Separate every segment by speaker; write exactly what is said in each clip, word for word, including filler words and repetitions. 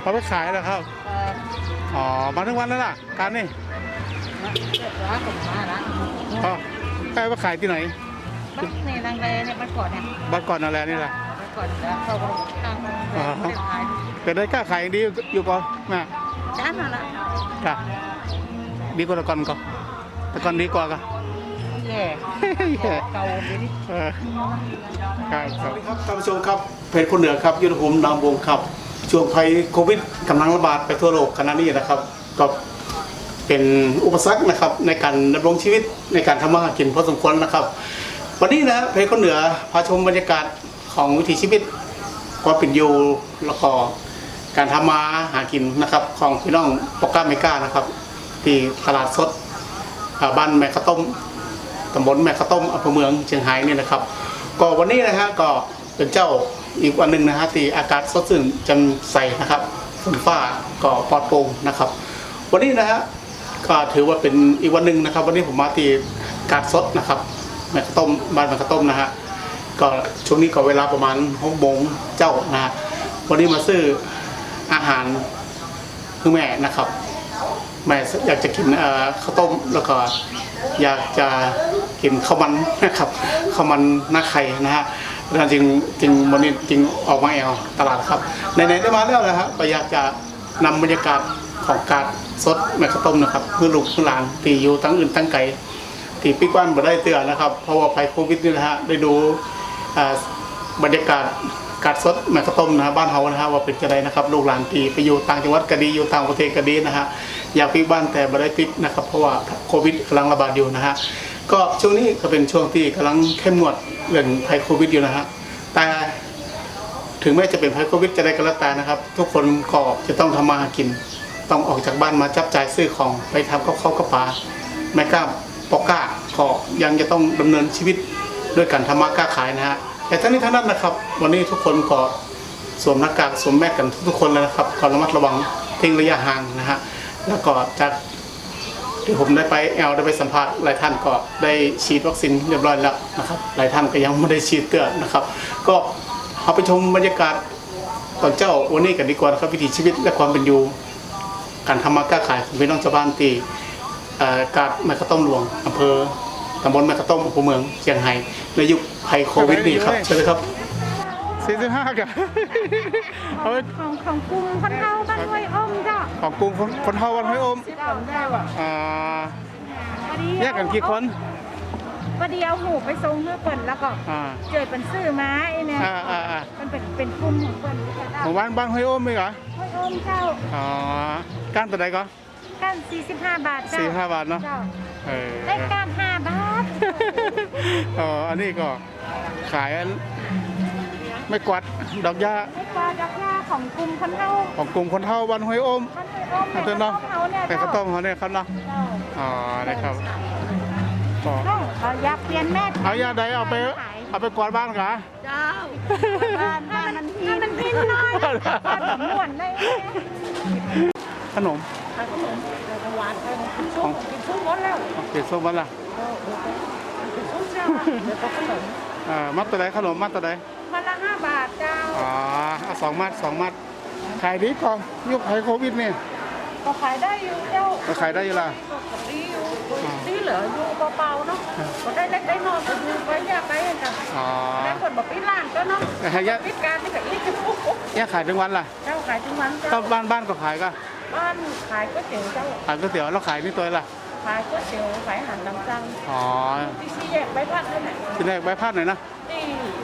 Speaker 1: เอาไปขายแล้วครับอ๋อมาทั้งวันแล้วล่ะการนี่
Speaker 2: ร้านผมมาร้าน
Speaker 1: อ๋อไปไปขายที่ไหน
Speaker 2: บ้านในรังเลเนี่ยบ้านก่อนเนี่ย
Speaker 1: บ้านก่อนอะไรนี่แหละ
Speaker 2: บ้านก่อนแล้วเข้าไปทางไม่ขาย
Speaker 1: แต่ได้กล้าขายดีอยู่ก่อนแม่
Speaker 2: จ้ามาละ
Speaker 1: จ้ะดีกว่าแต่ก่อนก็แต่ก่อนดีกว่าก็
Speaker 2: แย่เก่าดีนี่
Speaker 1: ครับครับครับท่านผู้ชมครับเพจคนเหนือครับยุทธภูมินามวงครับช่วงภัยโควิดกำลังระบาดไปทั่วโลกขณะนี้นะครับก็เป็นอุปสรรคนะครับในการดำรงชีวิตในการทำมาหากินพอสมควรนะครับวันนี้นะเพจคนเหนือพาชมบรรยากาศของวิถีชีวิตความเป็นอยู่แล้วก็การทำมาหากินนะครับของพี่น้องปอกก้าเมกานะครับที่ตลาดสดบ้านแม่ข้าวต้มตำบลแม่ข้าวต้มอำเภอเมืองเชียงรายนี่นะครับก็วันนี้นะฮะก็เป็นเจ้าอีกวันหนึ่งนะฮะที่อากาศสดชื่นแจ่มใสนะครับฝนฟ้าก็ปลอดโปร่งนะครับวันนี้นะฮะก็ถือว่าเป็นอีกวันหนึ่งนะครับวันนี้ผมมาที่กาดสดนะครับแม่ข้าวต้มบ้านแม่ข้าวต้มนะฮะก็ช่วงนี้ก็เวลาประมาณหกโมงเจ้านะฮะวันนี้มาซื้ออาหารคือแม่นะครับแม่อยากจะกินข้าวต้มแล้วก็อยากจะกินข้าวมันนะครับข้าวมันหน้าไข่นะฮะจริงจริงวันนี้จริงออกมาแอลตลาดครับไหนๆได้มาแล้วนะฮะก็อยากจะนำบรรยากาศของการสดแม่ข้าวต้มนะครับเพื่อลูกเพื่อหลานที่อยู่ตั้งอื่นตั้งไกลที่ปิ๊กบ้านมาได้เตือนนะครับเพราะว่าภัยโควิดนี่นะฮะได้ดูบรรยากาศการสดแม่ข้าวต้มนะฮะบ้านเฮานะฮะว่าเป็นจะไรนะครับลูกหลานที่ไปอยู่ต่างจังหวัดก็ดีอยู่ต่างประเทศก็ดีนะฮะอยากปิ๊กบ้านแต่ไม่ได้ปิ๊กนะครับเพราะว่าโควิดกำลังระบาดอยู่นะฮะก็ช่วงนี้ก็เป็นช่วงที่กำลังเข้มงวดเรื่องภัยโควิดอยู่นะฮะแต่ถึงแม้จะเป็นภัยโควิดจะได้ก็แล้วแต่นะครับทุกคนก็จะต้องทำมาหากินต้องออกจากบ้านมาจับจ่ายซื้อของไปทำกับข้าวกับปลาแม่ก้าปอกก้าก็ยังจะต้องดำเนินชีวิตด้วยการทำมาค้าขายนะฮะแต่ทั้งนี้ทั้งนั้นนะครับวันนี้ทุกคนก็สวมหน้ากากสวมแมสกันทุกคนเลยนะครับก็ระมัดระวังทิ้งระยะห่างนะฮะแล้วก็จากที่ผมได้ไปแอลได้ไปสัมภาษณ์หลายท่านก็ได้ฉีดวัคซีนเรียบร้อยแล้วนะครับหลายท่านก็ยังไม่ได้ฉีดเตื้อนะครับก็เอาไปชมบรรยากาศตอนเจ้าวันนี้กันดีกว่านะครับวิถีชีวิตและความเป็นอยู่การทำมาค้าขายของพี่น้องชาวบ้านที่กาดแม่ข้าวต้มหลวงอำเภอตำบลแม่ข้าวต้มอำเภอเมืองเชียงรายในยุคภัยโควิดนี่ครับเชิญเลยครับสี่สิบห้ากัน
Speaker 3: ของของกลุ่มคนเฒ่าบ้านห้วยอมจ้ะ
Speaker 1: ของกลุ่มคนเฒ่าบ้านห้วยอมอ่าแยกกันกี่คน
Speaker 3: ประเดี๋ยวหูไปทรงเมื่อเปิ่นแล้วก็เจอเป็นซื้อไม้เนี่ยมันเป็นเป็นกลุ่มของเปิ่น
Speaker 1: หมู่บ้านบ้านห้วยอมไหมเหรอ
Speaker 3: ห้วยอมเจ้า
Speaker 1: อ๋อก้านตัวไหนก็
Speaker 3: ก้านสี่สิบห้าบาทเจ้า
Speaker 1: สี่ห้าบาทเนาะ
Speaker 3: ได้ก้านห้าบาท
Speaker 1: อ๋ออันนี้ก็ขายไม่กวาดดอกหญ้า
Speaker 3: ไม่กวาดดอกหญ้าของกลุ่มคนเฒ่า
Speaker 1: ของกลุ่มคนเฒ่าบ้านห้วยอม
Speaker 3: อัน
Speaker 1: นั้นเนาะแต่ข้าวต้มเขาเนี่ยครับเนาะอ๋อนะครับ
Speaker 3: ก็อยากเปลี่ยนแม่
Speaker 1: เอายาใดเอาไปเอาไปกวาดบ้านกะ
Speaker 3: เจ้าบ้านบ้านมันพีมันพีน้อยบ้านแบบม่วนได้
Speaker 1: ขนม
Speaker 3: ขนมหวานกินส้มกินส้มวันแล้ว
Speaker 1: กินส้มวันละ
Speaker 3: กินส้มเจ้าเดี๋ยวก็ขนม
Speaker 1: อ่ามัดตัวไหนขนมมัดตัวไหน
Speaker 3: มัดละห้าบาทเจ้า
Speaker 1: อ๋อสองมัดสองมัดขายดีก่อนยุคภัยโควิดเนี่ย
Speaker 3: ก็ขายได้อยู่เจ้า
Speaker 1: ก็ขายได้อยู่ละ
Speaker 3: ดีอยู่ดีเหรออยู่เบาๆเนาะก็ได้เล็กได้น้อยก็อยู่ไว้ยากไปกันอ๋อได้คนบอกพี่ล่างก็เนาะพิการที่กับอีกปุ๊บปุ๊บ
Speaker 1: เนี่ยขายทั้งวันล่ะ
Speaker 3: เจ้าขายทั้งวันเจ้า
Speaker 1: บ้านบ้านก็ขายก็
Speaker 3: บ้านขายก๋วยเตี๋ยวเจ้า
Speaker 1: ขายก๋วยเตี๋ยวแล้วขายนี่ตัวล่ะ
Speaker 3: ขายก๋วยเตี๋ยวขายอาหารตามสั่ง
Speaker 1: อ๋อ
Speaker 3: ที่สี่แยกใบพัดนั่นแหละ
Speaker 1: ที่แยกใบพัดหน่อยนะ
Speaker 3: ที่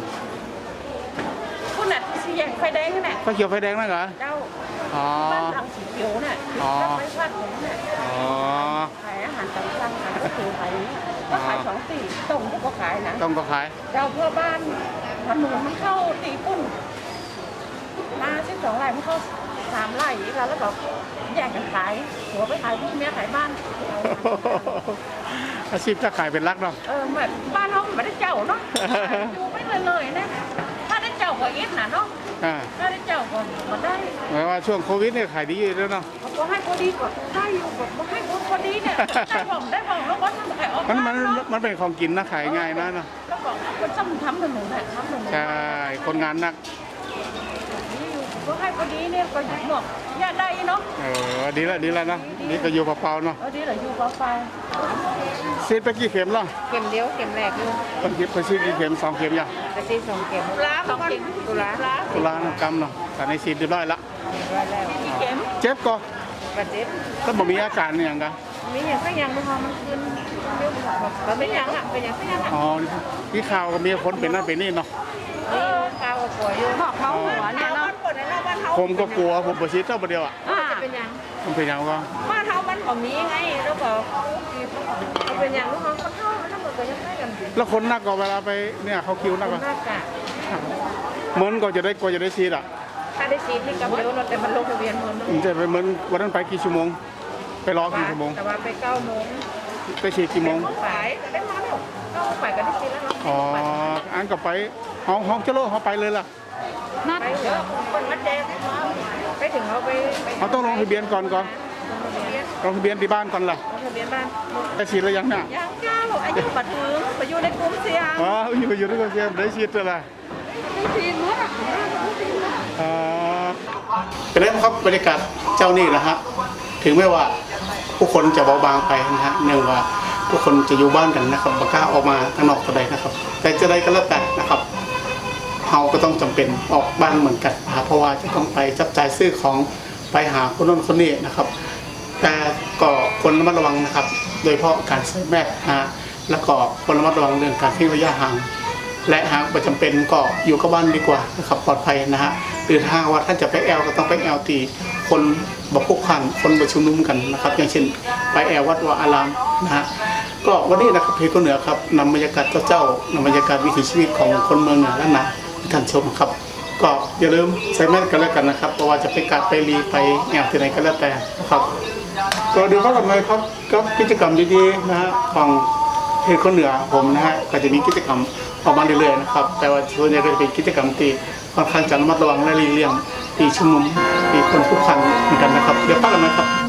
Speaker 3: คุณน่ะที่สี่แยกไฟแดงนั่นแหละ
Speaker 1: ไฟเขียวไฟแดงนั่นเหรอ
Speaker 3: เจ้า
Speaker 1: อ๋อ
Speaker 3: บ้านหลังสีเขียวน่ะใบพัดผมน่ะ
Speaker 1: อ๋อ
Speaker 3: ขายอาหารตามสั่งขายก๋วยเตี๋ยวขายก็ขายสองสี่ต้มก็ขายนะ
Speaker 1: ต้มก็ขาย
Speaker 3: เจ้าเพื่อบ้านถนนมันเข้าตีปุ่นมาสิบสองไร่มันเข้าสามไร่อีกแล้วแล้วก็แยกกันขายหัวไปขายพี่เมียขายบ้าน
Speaker 1: อาชีพค้าขายเป็นรักเนาะ
Speaker 3: เออแบบบ้านน้องไม่ได้เจ้าเนาะดูไม่เลยเลยนะถ้าได้เจ้าก็อิดนะเนาะถ้าได้เจ้าก็มาได้
Speaker 1: หมายว่าช่วงโควิดเนี่ยขายดีอยู่แล้วเนาะ
Speaker 3: ก็ให้พอดีก็ได้อยู่ก็ให้พอดีเนี่ยได้ผมได้ผมแล้วก็ทำขายออก
Speaker 1: มันมันมันเป็นของกินนะขายง่ายนะเนาะ
Speaker 3: แล้วก็คนทำทำถนนแหละทำถนน
Speaker 1: ใช่คนงานหนัก
Speaker 3: ก็ให้พอดีเนี่ยก็หมวกยาได้เนาะ
Speaker 1: เออดีละดีละนะนี่ก็อยู่เปล่าๆเนาะ
Speaker 3: เอาดีเหรออยู่กับไฟ
Speaker 1: ซีดไปกี่เข็มล่ะ
Speaker 2: เข็มเดียวเข็มแรกอยู่
Speaker 1: คนคิดไปซีดกี่เข็มสองเข็มยัง
Speaker 2: ไปซีสองเข็ม
Speaker 3: ล้าง
Speaker 2: สอง
Speaker 3: ก่อน
Speaker 2: เข็มตุลา
Speaker 3: ล้าง
Speaker 1: ตุลากรรมเนาะแต่ในซีดเรียบร้อยละ
Speaker 2: ร้อยแล้ว
Speaker 3: กี่เข็ม
Speaker 1: เจ็บก็
Speaker 2: ประเจ็บ
Speaker 1: ถ้าบ่มีอาการเนี่ยยังไง
Speaker 2: มีอย่างสักอย่างมันพอมันขึ้นเร็วแบบ
Speaker 3: มันเป็นยังอ่ะเป็นยังเป็นยังอ่ะ
Speaker 1: อ๋อที่ข่าวก็มีคนเป็นนั่นเป็นนี่เนาะ
Speaker 2: นี่ข้าวกับป่วยอยู่
Speaker 3: หอกเมาหัวเนี่ยเนาะปวดในเราบ้านเท้า
Speaker 1: ผมก็กลัวผมไปซีดเจ้าประเดียวอ่ะ
Speaker 3: อ่า
Speaker 2: จะเป็นยัง
Speaker 1: มันเป็นยังก็
Speaker 3: บ้านเท้ามันก็มีไงแล้วก็มันเป็นอย่างลูกน้องคนเท่ามันทั้งหมดก็ยังได้กัน
Speaker 1: แล้วคนนักก็เวลาไปเนี่ยเขาคิวนักก็
Speaker 3: หน้ากาก
Speaker 1: เหมือนก็จะได้ก็จะได้ซีดอ่ะ
Speaker 3: ถ้าได้ฉีดนี่กับเร็วเนาะแต่มันลงทะเบียนมัน
Speaker 1: มันจะไปเหมือนวันนั้นไปกี่ชั่วโมง ไปรอกี่ชั่วโมง
Speaker 3: แต่ว่าไปเก้าโมง
Speaker 1: ไปฉีดกี่โมง
Speaker 3: ฝ่ายก็ได้มาแล้วเก้าฝ่ายก็ได้ฉีดแล้วเนาะ
Speaker 1: อ๋ออันก็ไปห้องห้องเจริญเขาไปเลยล่ะ
Speaker 3: นัดไปเยอะคนมาแจกไปถึงเขาไป
Speaker 1: เขาต้องลงทะเบียนก่อนก่อน
Speaker 3: ลงทะเบียน
Speaker 1: ลงทะเบียนที่บ้านก่อนล่ะ
Speaker 3: ลงทะเบียนบ้าน
Speaker 1: ได้ฉีดแล้วยังเนี่ย
Speaker 3: ยังก้าวอายุบัตรถึงไปอยู่ในกลุ่มเสี่ยง
Speaker 1: อ๋ออยู่อยู่ด้วยกันเสียได้ฉีดแล้วล่ะ
Speaker 3: ฉีดหมดอ่ะ
Speaker 1: อ่าเป็นไงบ้างครับบรรยากาศเจ้านี่นะฮะถึงแม้ว่าผู้คนจะเบาบางไปนะฮะเนื่องว่าผู้คนจะอยู่บ้านกันนะครับบ่กล้าออกมาข้างนอกเท่าใดนะครับ แต่จะได้ก็แล้วแต่นะครับเราก็ต้องจำเป็นออกบ้านเหมือนกันนะครับเพราะว่าจะต้องไปจับจ่ายซื้อของไปหาคนโน้นคนนี้นะครับ แต่ก็ควรระมัดระวังนะครับ โดยเฉพาะการใส่แมสนะฮะแล้วก็ควรระมัดระวังเรื่องการทิ้งระยะห่าง และหากไม่จำเป็นก็อยู่กับบ้านดีกว่านะครับปลอดภัยนะฮะหรือถ้าว่าท่านจะไปแอลก็ต้องไปแอลตีคนบพลุกพล่านคนประชุมนุมกันนะครับ อย่างเช่นไปแอลวัดวาอารามนะฮะก็วันนี้นะครับเพจคนเหนือครับนำบรรยากาศเจ้าๆนำบรรยากาศวิถีชีวิตของคนเมืองเหนือและนาให้ท่านชมครับ ก็อย่าลืมใส่แมสกันแล้วกันนะครับเพราะว่าจะไปกัดไปรีไปแอลที่ไหนก็แล้วแต่นะครับก็เดี๋ยวก็กลับมาครับกับกิจกรรมดีๆนะฮะของเพจคนเหนือผมนะฮะก็จะมีกิจกรรมออกมาเรื่อยๆนะครับแต่ว่าส่วนใหญ่ก็จะเป็นกิจกรรมที่ค่อนข้างจะระมัดระวังและหลีกเลี่ยงที่ชุมนุมที่คนทุกขันเหมือนกันนะครับเดี๋ยวพักกันนะครับ